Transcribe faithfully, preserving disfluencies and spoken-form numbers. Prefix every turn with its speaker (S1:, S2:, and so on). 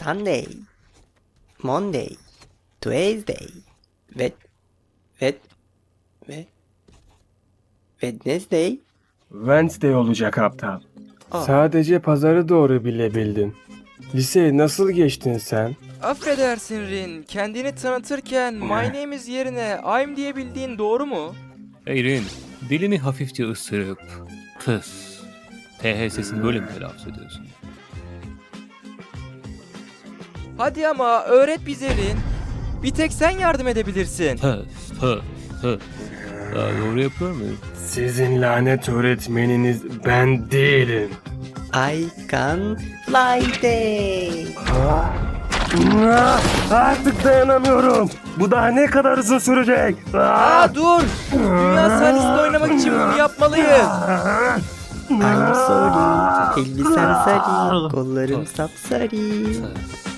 S1: Sunday, Monday, Tuesday, Wed, Wed, Wed, Wednesday.
S2: Wednesday olacak aptal.
S1: Aa.
S2: Sadece pazarı doğru bilebildin. Liseyi nasıl geçtin sen?
S3: Affedersin Rin, kendini tanıtırken my name is yerine I'm diyebildiğin doğru mu?
S4: Erin, dilini hafifçe ısırıp tıs. T H sesini böyle mi telaffuz ediyorsun?
S3: Hadi ama öğret bize Rin. Bir tek sen yardım edebilirsin.
S4: Tıs, tıs, tıs. Daha doğru yapıyor muyum?
S2: Sizin lanet öğretmeniniz ben değilim.
S1: I can fly day.
S2: Ah, Artık dayanamıyorum. Bu daha ne kadar uzun sürecek? Ah!
S3: Aa dur! Dünya sahnesinde oynamak için bunu yapmalıyız.
S1: I'm sorry. Elbisem sarı, kollarım sapsarı.
S4: Tıs.